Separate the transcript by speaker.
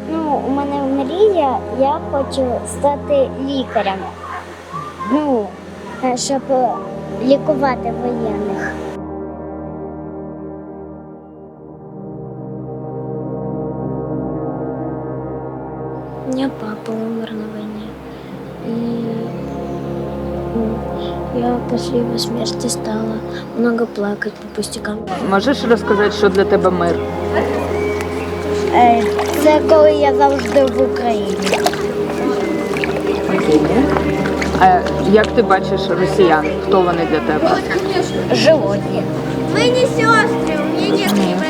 Speaker 1: Ну, у мене мрія, я хочу стати лікарем. Ну, щоб лікувати воєнних. У меня папа умер на войне. И я после его смерти стала много плакать по пустякам.
Speaker 2: Можеш розказати, що для тебе мир?
Speaker 1: Це коли я завжди в Україні.
Speaker 2: А як ти бачиш росіян? Хто вони для тебе?
Speaker 1: Животні. Ми не сестри, у мене нет